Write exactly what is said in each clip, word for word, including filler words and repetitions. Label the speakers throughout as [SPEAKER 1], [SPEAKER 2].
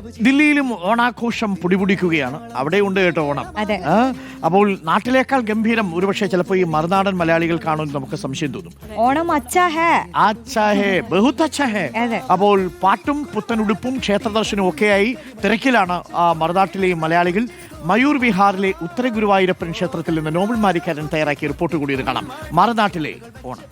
[SPEAKER 1] ദില്ലിയിലും ഓണാഘോഷം പൊടിപൊടിക്കുകയാണ്. അവിടെയുണ്ട് കേട്ടോ ഓണം. അപ്പോൾ നാട്ടിലേക്കാൾ ഗംഭീരം ഒരുപക്ഷെ ചിലപ്പോൾ ഈ മറുനാടൻ മലയാളികൾ കാണുമെന്ന് നമുക്ക് സംശയം തോന്നും.
[SPEAKER 2] ഓണം അച്ഛാ ഹേ
[SPEAKER 1] അച്ഛാ ഹേ ബഹുത് അച്ഛാ ഹേ. അപ്പോൾ പാട്ടും പുത്തനുടുപ്പും ക്ഷേത്രദർശനവും ഒക്കെയായി തിരക്കിലാണ് ആ മറുനാട്ടിലെ മലയാളികൾ. മയൂർ വിഹാറിലെ ഉത്തര ഗുരുവായൂരപ്പൻ ക്ഷേത്രത്തിൽ നിന്ന് നോബൽ മാരിക്കാരൻ തയ്യാറാക്കിയ റിപ്പോർട്ട് കൂടി ഇത് കാണാം. മറുനാട്ടിലെ ഓണം.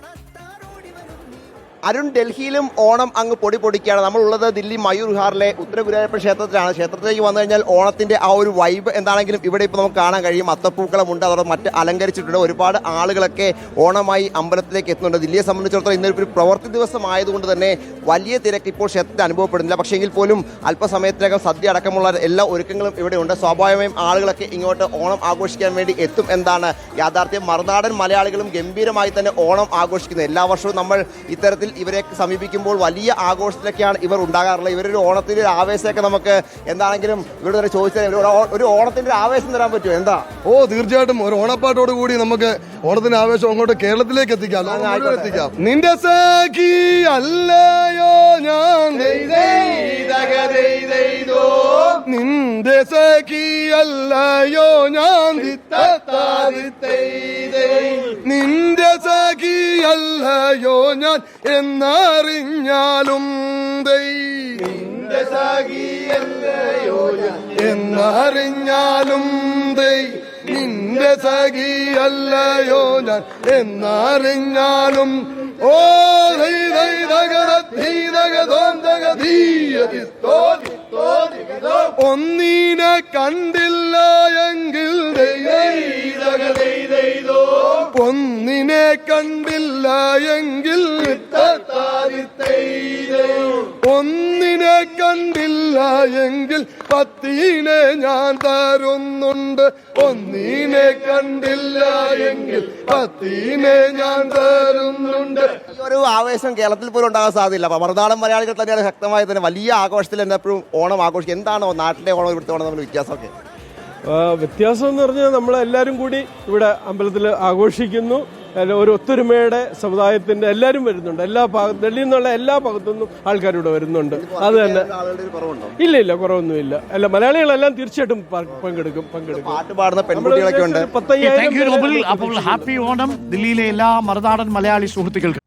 [SPEAKER 3] അരുൺ, ഡൽഹിയിലും ഓണം അങ്ങ് പൊടി പൊടിക്കുകയാണ്. നമ്മളുള്ളത് ദില്ലി മയൂർ വിഹാറിലെ ഉത്തര ഗുരുവായൂരപ്പൻ ക്ഷേത്രത്തിലാണ്. ക്ഷേത്രത്തിലേക്ക് വന്നു കഴിഞ്ഞാൽ ഓണത്തിന്റെ ആ ഒരു വൈബ് എന്താണെങ്കിലും ഇവിടെ ഇപ്പോൾ നമുക്ക് കാണാൻ കഴിയും. അത്തപ്പൂക്കളമുണ്ട്, അതോടെ മറ്റ് അലങ്കരിച്ചിട്ടുണ്ട്. ഒരുപാട് ആളുകളൊക്കെ ഓണമായി അമ്പലത്തിലേക്ക് എത്തുന്നുണ്ട്. ദില്ലിയെ സംബന്ധിച്ചിടത്തോളം ഇന്നൊരു പ്രവൃത്തി ദിവസം ആയതുകൊണ്ട് തന്നെ വലിയ തിരക്ക് ഇപ്പോൾ ക്ഷേത്രത്തിൽ അനുഭവപ്പെടുന്നില്ല. പക്ഷേ എങ്കിൽ പോലും അല്പസമയത്തിനകം സദ്യ അടക്കമുള്ള എല്ലാ ഒരുക്കങ്ങളും ഇവിടെയുണ്ട്. സ്വാഭാവികമായും ആളുകളൊക്കെ ഇങ്ങോട്ട് ഓണം ആഘോഷിക്കാൻ വേണ്ടി എത്തും എന്താണ് യാഥാർത്ഥ്യം. മറുനാടൻ മലയാളികളും ഗംഭീരമായി തന്നെ ഓണം ആഘോഷിക്കുന്നത്. എല്ലാ വർഷവും നമ്മൾ ഇത്തരത്തിൽ ഇവരെ സമീപിക്കുമ്പോൾ വലിയ ആഘോഷത്തിലൊക്കെയാണ് ഇവർ ഉണ്ടാകാറുള്ളത്. ഇവരൊരു ഓണത്തിന്റെ ഒരു ആവേശമൊക്കെ നമുക്ക് എന്താണെങ്കിലും ഇവിടെ തന്നെ ചോദിച്ചാൽ ഒരു ഓണത്തിന്റെ ആവേശം തരാൻ പറ്റുമോ? എന്താ?
[SPEAKER 4] ഓ, തീർച്ചയായിട്ടും ഒരു ഓണപ്പാട്ടോട് കൂടി നമുക്ക് ഓണത്തിന്റെ ആവേശം അങ്ങോട്ട് കേരളത്തിലേക്ക് എത്തിക്കാം, എത്തിക്കാം. നിന്റെ സഖി അല്ലയോ ഞാൻ, നിന്റെ സഖി അല്ലയോ ഞാൻ, നിന്റെ സഖി അല്ലയോ ഞാൻ എന്നറിഞ്ഞാലും നിന്റെ സഖി അല്ലയോ ഞാൻ എന്നറിഞ്ഞാലും നിന്റെ സഖി അല്ലയോ ഞാൻ എന്നറിഞ്ഞാലും ഓ ഒന്നിനെ കണ്ടില്ല എങ്കിൽ ഒന്നിനെ കണ്ടില്ല എങ്കിൽ ഒന്നിനെ കണ്ടില്ല എങ്കിൽ പത്തിനെ ഞാൻ തരുന്നുണ്ട്. ഒന്നിനെ കണ്ടില്ല എങ്കിൽ പത്തിനെ ഞാൻ തരുന്നുണ്ട്.
[SPEAKER 3] ഈ ഒരു ആവേശം കേരളത്തിൽ പോലും ഉണ്ടാകാൻ സാധ്യതയില്ല. അപ്പൊ മറുനാടൻ മലയാളികൾ തന്നെയാണ് ശക്തമായി തന്നെ വലിയ ആഘോഷത്തിൽ തന്നെ എപ്പോഴും ഓണം ആഘോഷിക്കും. എന്താണോ നാട്ടിലെ ഓണം ഇവിടുത്തെ ഓണം തമ്മിൽ വ്യത്യാസമൊക്കെ?
[SPEAKER 5] വ്യത്യാസം എന്ന് പറഞ്ഞാൽ നമ്മളെല്ലാവരും കൂടി ഇവിടെ അമ്പലത്തിൽ ആഘോഷിക്കുന്നു. ഒരു ഒത്തൊരുമയുടെ സമുദായത്തിന്റെ എല്ലാവരും വരുന്നുണ്ട്. എല്ലാ ഭാഗ ഡൽഹിയിൽ നിന്നുള്ള എല്ലാ ഭാഗത്തുനിന്നും ആൾക്കാരിവിടെ വരുന്നുണ്ട്. അത് തന്നെ. ഇല്ല ഇല്ല കുറവൊന്നുമില്ല. അല്ല, മലയാളികളെല്ലാം തീർച്ചയായിട്ടും പങ്കെടുക്കും പങ്കെടുക്കും
[SPEAKER 3] പാട്ട് പാടുന്ന പെൺകുട്ടികളൊക്കെ ഉണ്ട്.
[SPEAKER 1] ഹാപ്പി ഓണം ദില്ലിയിലെ എല്ലാ മറുനാടൻ മലയാളി സുഹൃത്തുക്കൾക്കും.